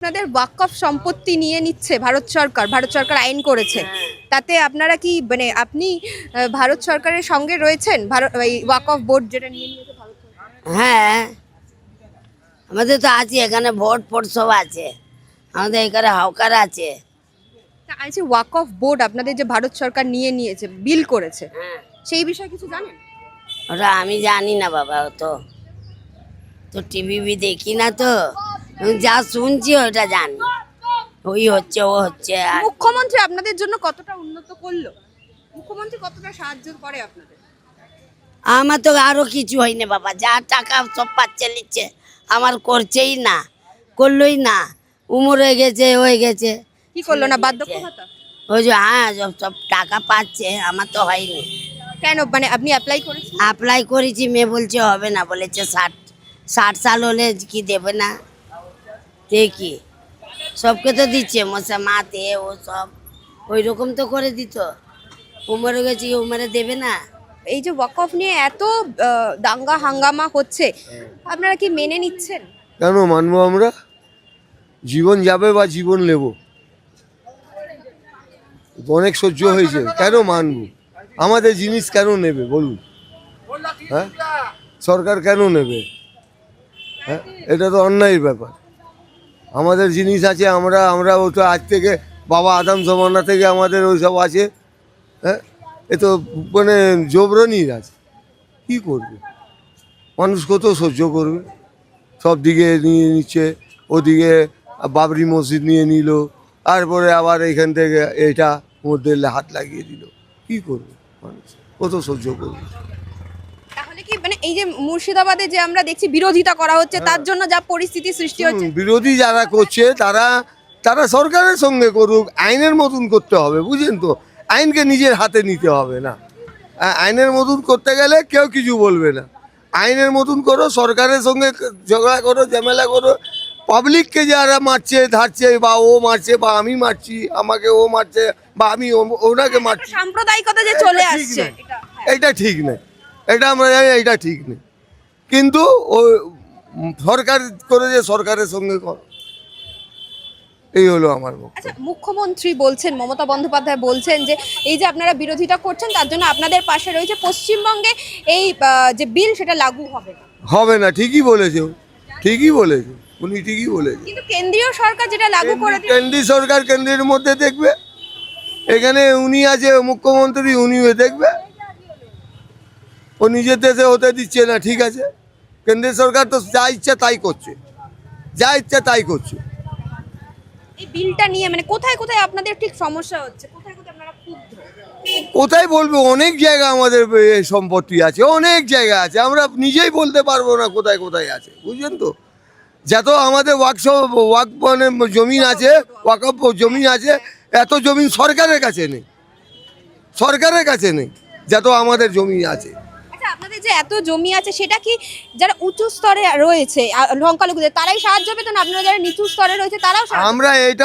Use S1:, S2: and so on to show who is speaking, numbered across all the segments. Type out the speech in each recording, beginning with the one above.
S1: আপনাদের ওয়াকফ সম্পত্তি নিয়ে নিচ্ছে ভারত সরকার আইন করেছে। তাতে আপনারা কি মানে আপনি ভারত সরকারের সঙ্গে রয়েছেন? এই ওয়াকফ বোর্ড যেটা নিয়ে নিয়েছে ভারত সরকার।
S2: হ্যাঁ, আমাদের তো আছে, এখানে ভোট ফোট সব আছে, আমাদের এখানে হাওকার আছে।
S1: তা এই যে ওয়াকফ বোর্ড আপনাদের যে ভারত সরকার নিয়ে নিয়েছে, বিল করেছে, সেই বিষয়ে কিছু জানেন?
S2: ওটা আমি জানি না বাবা, তো তো টিভি দেখি না, তো যা শুনছি ওটা জানি, ওই হচ্ছে ও হচ্ছে। আর
S1: মুখ্যমন্ত্রী আপনাদের জন্য কতটা উন্নত করলো? মুখ্যমন্ত্রী কতটা সাহায্য করে আপনাদের?
S2: আমার তো আরো কিছু হয়নি বাবা, যা টাকা সব পাচ্ছে নিচ্ছে, আমার করছেই না, করলোই না, উমর হয়ে গেছে।
S1: কি করলো না? বার্ধক্য ভাতা?
S2: ওই যে হ্যাঁ, সব টাকা পাচ্ছে, আমার তো হয়নি।
S1: কেন, মানে আপনি অ্যাপ্লাই করেছেন?
S2: অ্যাপ্লাই করেছি, মেয়ে বলছে হবে না, বলেছে 60 সাল হলে কি দেবে না, দেখি সবকে তো দিচ্ছে, মশা মাতে ও সব ওই রকম তো করে দিত, উমরে গেছি উমরে দেবে না।
S1: এই যে ওয়াকফ নিয়ে এত দাঙ্গা হাঙ্গামা হচ্ছে, আপনারা কি মেনে নিচ্ছেন?
S3: কেন মানবো আমরা? জীবন যাবে বা জীবন নেব, অনেক সহ্য হয়েছে, কেন মানবো? আমাদের জিনিস কেন নেবে বলুন? হ্যাঁ, সরকার কেন নেবে? হ্যাঁ, এটা তো অন্যায়ের ব্যাপার। আমাদের জিনিস আছে, আমরা ও তো আজ থেকে বাবা আদম জমানা থেকে আমাদের ওই সব আছে। হ্যাঁ, এ তো মানে জবরনির আছে, কী করবে? মানুষ কত সহ্য করবে? সব দিকে নিয়ে নিচ্ছে, ওদিকে বাবরি মসজিদ নিয়ে নিল, তারপরে আবার এখান থেকে এটা মধ্যে হাত লাগিয়ে দিল, কি করবে মানুষ? কত সহ্য করবে?
S1: তাহলে কি মানে এই যে মুর্শিদাবাদে যে আমরা দেখছি বিরোধিতা করা হচ্ছে, তার জন্য যা পরিস্থিতি সৃষ্টি হচ্ছে?
S3: বিরোধী যারা করছে তারা সরকারের সঙ্গে করুক, আইনের মতন করতে হবে, বুঝলেন তো? আইনকে নিজের হাতে নিতে হবে না। আইনের মতন করতে গেলে কেউ কিছু বলবে না। আইনের মতন করো, সরকারের সঙ্গে ঝগড়া করো, ঝামেলা করো। পাবলিককে যারা মারছে ধারছে, বা ও মারছে বা আমি মারছি, আমাকে ও মারছে বা আমি ওনাকে মারছি,
S1: সাম্প্রদায়িকতা যে চলে আসছে,
S3: এটা ঠিক নেই। এটা আমরা জানি এটা ঠিক নেই, কিন্তু ও সরকার করে যে সরকারের সঙ্গে করো, এই হলো আমার বক্তব্য।
S1: আচ্ছা, মুখ্যমন্ত্রী বলছেন, মমতা বন্দ্যোপাধ্যায় বলছেন যে এই যে আপনারা বিরোধিতা করছেন, তার জন্য আপনাদের পাশে রয়েছে পশ্চিমবঙ্গে এই যে বিল, সেটা লাগু হবে না।
S3: হবে না, ঠিকই বলেছে, ঠিকই বলেছে, উনি ঠিকই বলেছে।
S1: কিন্তু কেন্দ্রীয় সরকার যেটা লাগু করে দিয়েছে।
S3: কেন্দ্রীয় সরকার কেন্দ্রের মধ্যে দেখবে, এখানে উনি আছে মুখ্যমন্ত্রী, উনিও দেখবে। ও নিজের দেশে হতে দিচ্ছে না, ঠিক আছে। কেন্দ্রীয় সরকার তো যা ইচ্ছা তাই করছে, যা ইচ্ছা তাই করছে।
S1: এই বিলটা নিয়ে মানে কোথায় কোথায় আপনাদের ঠিক সমস্যা হচ্ছে, কোথায় কোথায় আপনারা ক্ষুব্ধ?
S3: কোথায় বলবো? অনেক জায়গা আমাদের সম্পত্তি আছে, অনেক জায়গা আছে, আমরা নিজেই বলতে পারবো না কোথায় কোথায় আছে, বুঝলেন তো? যত আমাদের ওয়াক মানে জমিন আছে, ওয়াকফ জমিন আছে, এত জমিন সরকারের কাছে নেই, সরকারের কাছে নেই, যত আমাদের জমি আছে।
S1: আচ্ছা, আপনাদের যে এত জমি আছে, সেটা কি যারা উঁচু স্তরে রয়েছে সংখ্যালঘুদের, তারাই সাহায্য পেতেন? আপনারা যারা নিচু স্তরে রয়েছে তারাও
S3: আমরা এটা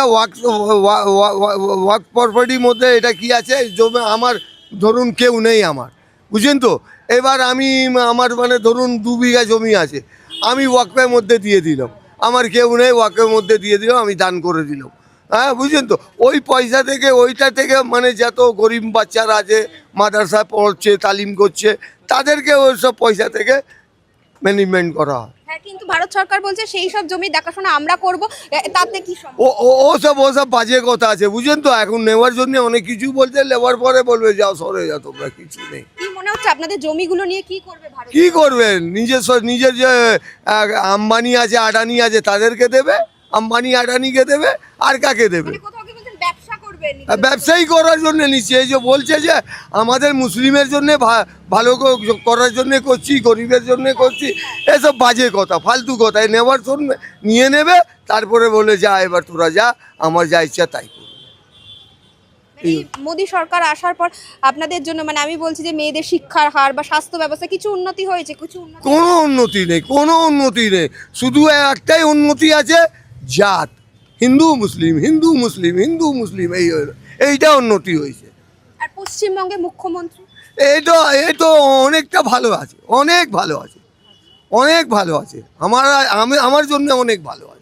S3: ওয়াক প্রপার্টির মধ্যে এটা কি আছে, জমি আমার ধরুন কেউ নেই আমার, বুঝলেন তো? এবার আমি আমার মানে ধরুন 2 বিঘা জমি আছে, আমি ওয়াকফের মধ্যে দিয়ে দিলাম, আমার কেউ নেই, ওয়াকফের মধ্যে দিয়ে দিলাম, আমি দান করে দিলাম। হ্যাঁ, বুঝলেন তো? ওই পয়সা থেকে, ওইটা থেকে মানে যত গরিব বাচ্চারা আছে, মাদ্রাসা পড়ছে, তালিম করছে, তাদেরকে ওই সব পয়সা থেকে ম্যানেজমেন্ট করা হয়।
S1: হ্যাঁ, কিন্তু ভারত সরকার বলছে সেই সব জমি দেখাশোনা আমরা করব, তাতে কি
S3: ও ওসব বাজে কথা আছে, বুঝলেন তো? এখন নেওয়ার জন্য অনেক কিছু বলছে, নেওয়ার পরে বলবে যাও সরে যাও তোমরা, কিছু নেই।
S1: কি মনে হচ্ছে আপনাদের জমিগুলো নিয়ে কি করবে ভারত?
S3: কি করবেন? নিজের যে আম্বানি আছে, আডানি আছে, তাদেরকে দেবে, আম্বানি আডানিকে দেবে, আর কাকে দেবে?
S1: মানে কোথাও কি বলছেন ব্যবসা করবেন?
S3: ব্যবসায়ী করার জন্য নিচ্ছে। এই যে বলছে যে আমাদের মুসলিমের জন্য ভালো করার জন্য করছি, গরিবের জন্য করছি, এসব বাজে কথা, ফালতু কথা। নেওয়ার জন্য নিয়ে নেবে, তারপরে বলে যা এবার তোরা যা, আমার যা ইচ্ছা তাই করবে।
S1: এই মোদী সরকার আসার পর আপনাদের জন্য মানে আমি বলছি যে মেয়েদের শিক্ষার হার বা স্বাস্থ্য ব্যবস্থা কিছু উন্নতি হয়েছে? কিছু উন্নতি?
S3: কোনো উন্নতি নেই, কোনো উন্নতি নেই। শুধু একটাই উন্নতি আছে, জাত, হিন্দু মুসলিম, হিন্দু মুসলিম, হিন্দু মুসলিম, এইটা উন্নতি হয়েছে।
S1: আর পশ্চিমবঙ্গে মুখ্যমন্ত্রী
S3: এই তো অনেকটা ভালো আছে, অনেক ভালো আছে, অনেক ভালো আছে, আমার জন্য অনেক ভালো আছে।